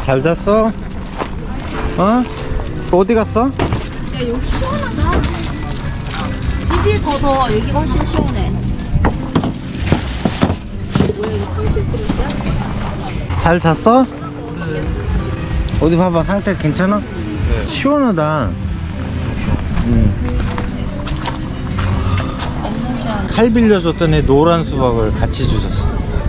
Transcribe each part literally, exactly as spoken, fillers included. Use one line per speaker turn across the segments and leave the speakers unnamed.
잘 잤어? 어? 어디 갔어?
야 여기 시원하다. 집이 더 더워. 여기가 훨씬 시원해. 뭐야 이거 탕수육 그릇이야?
잘 잤어? 어디 봐봐, 상태 괜찮아? 네. 시원하다. 응. 칼 빌려줬더니 노란 수박을 같이 주셨어.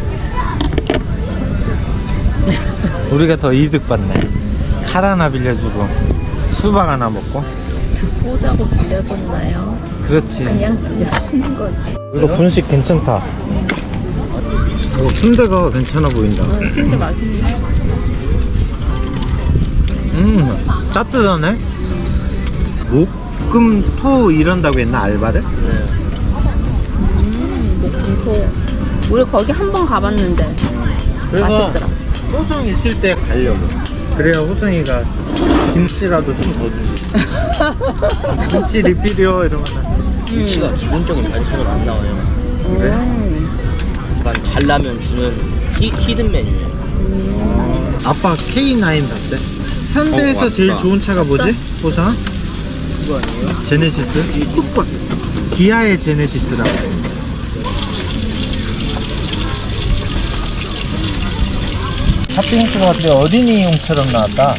우리가 더 이득 받네. 칼 하나 빌려주고 수박 하나 먹고.
듣보자고 빌려줬나요?
그렇지.
그냥 빌려주는 거지.
이거 분식 괜찮다. 어, 순대가 괜찮아 보인다.
어, 진짜 맛있네.
음, 따뜻하네. 목금토 이런다고 했나, 알바를?
음, 목금토. 우리 거기 한 번 가봤는데
그래서
맛있더라.
호성 있을 때 가려고. 그래야 호성이가 김치라도 좀 더 주지. 김치 리필이요 이러면.
김치가 기본적인 반찬으로 안 나와요.
그래?
음.
약간 잘라면 주는 히, 히든 메뉴예요.
어, 아빠 케이 나인 봤대. 현대에서
어,
제일
왔다.
좋은 차가 뭐지? 호성아?
그거 아니에요?
제네시스? 기아의 제네시스라고. 핫핑크 같아. 어린이용처럼 나왔다.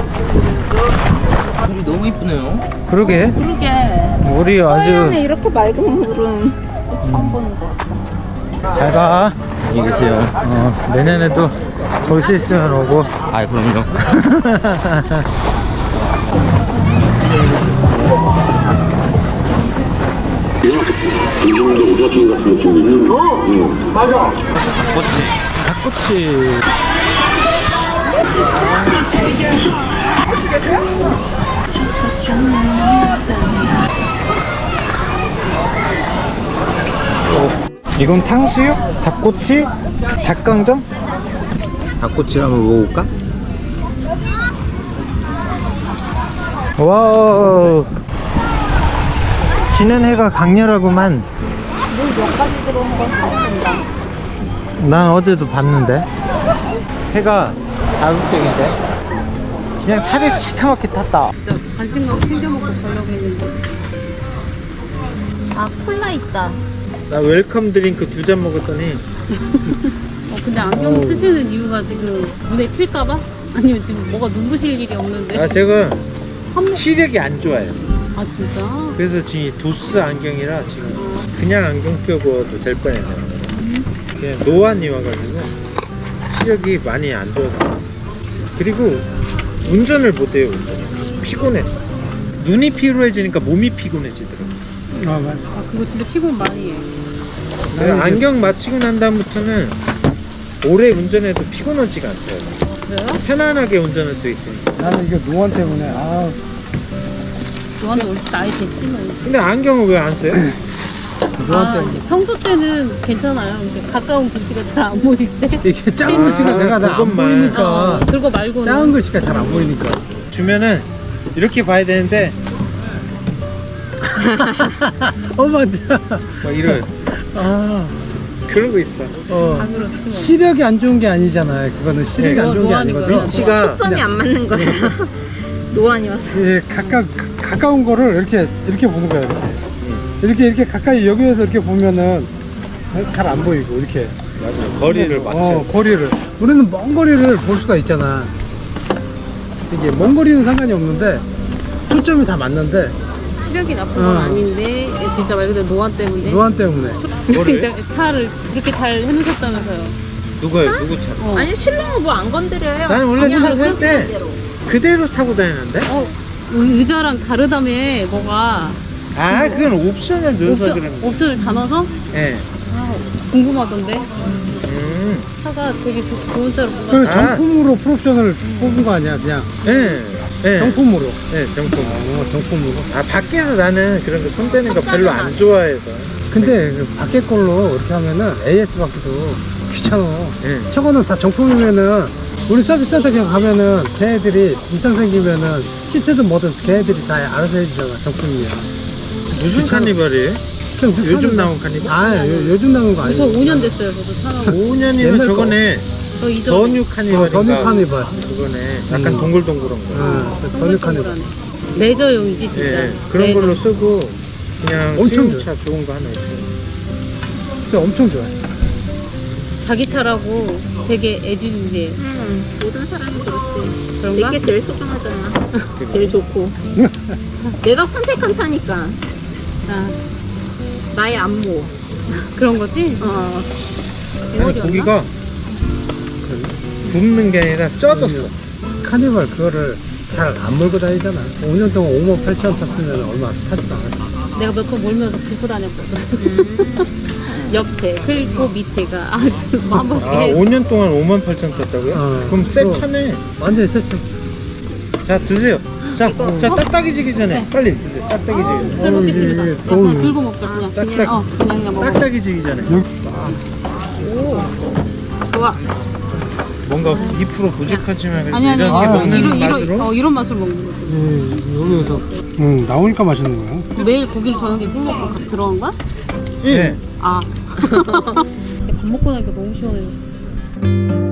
물이 너무 이쁘네요.
그러게.
그러게.
우리
서해안에
아주
이렇게 맑은 물은 처음 보는 것 같다.
잘 가. 안녕히 계세요. 어, 내년에도 볼 수 있으면 오고.
아, 그럼요.
이 정도 우라통 같은 느낌이면 어! 응. 맞아.
닭꼬치. 이건 탕수육? 닭꼬치? 닭강정? 닭꼬치 한번 먹어볼까? 와우, 지는 해가 강렬하구만.
물 몇 가지 들어온 건 다 본다.
난 어제도 봤는데 해가 자극적인데 그냥 살이 시커멓게 탔다.
진짜 간식만 챙겨 먹고 가려고 했는데. 아 콜라 있다.
나 웰컴 드링크 두 잔 먹었더니
어, 근데 안경
어우.
쓰시는 이유가 지금 눈에 튈까봐? 아니면 지금 뭐가 눈부실 일이 없는데?
아 제가
한...
시력이 안 좋아요.
아 진짜?
그래서 지금 도스 안경이라 지금 그냥 안경 껴도 될 뻔했네. 그냥 노안이 와가지고 시력이 많이 안 좋아서. 그리고 운전을 못해요. 운전 피곤해. 눈이 피로해지니까 몸이 피곤해지더라고.
아 그거 진짜 피곤 많이 해.
내가 안경 맞추고 난 다음부터는 오래 운전해도 피곤하지가 않더라고.
그래요?
편안하게 운전할 수 있으니까.
나는 이게 노안 때문에 아
너한테 올 나이 됐지만.
근데 안경을 왜 안 써요?
노안
아,
때문에
이제 평소 때는 괜찮아요. 이제 가까운 글씨가 잘 안 보일 때.
이게 작은 글씨가
아,
내가 잘 안
그것만.
보이니까
어, 그거 말고는.
작은 글씨가 잘 안 보이니까
주면은 이렇게 봐야 되는데
어 맞아
막 이런
아
그러고 있어.
어.
아 그렇지 뭐.
시력이 안 좋은 게 아니잖아요. 그거는 시력이
네,
안 좋은 게
노안이고요.
아니거든.
위치가
초점이 안 맞는 거야. 노안이 와서.
예, 가까 가- 가까운 거를 이렇게 이렇게 보는 거야. 이렇게 이렇게, 이렇게 가까이 여기에서 이렇게 보면은 잘 안 보이고 이렇게
맞아. 거리를 맞춰.
어, 거리를 우리는 먼 거리를 볼 수가 있잖아. 이게 먼 거리는 상관이 없는데 초점이 다 맞는데
시력이 나쁜 건
어.
아닌데 진짜 말 그대로 노안 때문에.
노안 때문에
뭐를?
차를 그렇게 잘 해놓으셨다면서요.
누가요? 누구 차?
어.
아니 신랑은 뭐 안 건드려요.
나는 원래
그냥
차 살 때
그대로.
그대로 타고 다니는데?
어, 의자랑 다르다며 뭐가.
아, 그건 옵션을 넣어서
옵션,
그런 거.
옵션을 다 넣어서?
예.
아, 궁금하던데.
음.
차가 되게 조- 좋은 차로
그
뽑았다.
아.
정품으로 프로옵션을 뽑은 거 아니야 그냥
예. 예.
정품으로
예, 정품.
어, 정품으로.
아, 밖에서 나는 그런 거 손대는 거 별로 안 좋아해서.
근데 그 밖에 걸로 이렇게 하면은 에이에스 받기도 귀찮아.
예.
저거는 다 정품이면은 우리 서비스 센터 그냥 가면은 걔네들이 이상 생기면은 시트든 뭐든 걔네들이 다 알아서 해주잖아. 정품이면.
무슨
귀찮아.
카니발이에요?
그냥 그
요즘
차는-
나온 카니발?
아 요, 요즘 나온 거
이거
아니고
오 년 됐어요, 저도 차가.
오 년이면
옛날 거.
저거네.
저 이전
전유 카니발인가?
전유 카니발.
그거네. 약간
음.
동글동글한 거.
응, 전유 카니발.
레저용이지 진짜.
예, 그런
레저.
걸로 쓰고 그냥
엄청
수용차 좋은 거 하나 있어요.
진짜 엄청 좋아해.
자기 차라고 되게 애지중지.
응, 모든 사람이 그렇지.
그런가?
내게 제일 소중하잖아. 제일 좋고. 내가 선택한 차니까.
아,
나의 안모.
그런 거지?
어.
아니, 고기가 굽는 게 아니라 쪄졌어.
카니발 그거를 잘 안 몰고 다니잖아. 오 년 동안 오만 팔천 탔으면 얼마 타지도 않았어.
내가 몇 번 몰면서 긁고 다녔거든. 옆에 그리고 밑에가 아주 한 번씩
아,
해.
오 년 동안 오만 팔천 탔다고요?
어.
그럼 새
어.
차네.
완전히 세차.
자, 드세요. 자, 자, 딱딱이 지기 전에 빨리 드세요. 딱딱이 지기 전에.
잘 먹겠습니다.
이게
약간
어우.
긁고 먹자 그냥.
딱딱.
그냥 어 그냥 그냥 먹어.
딱딱이 지기 전에.
좋아.
뭔가 이 퍼센트 부족하지만
아니 아니
이렇게
아,
먹는
이런
맛으로
이런 어 이런 맛으로 먹는 거지.
음, 여기서 음, 나오니까 맛있는 거야.
매일 고기를 저녁에 구워 먹고 들어간 거야?
예.
아. 밥 먹고 나니까 너무 시원해졌어.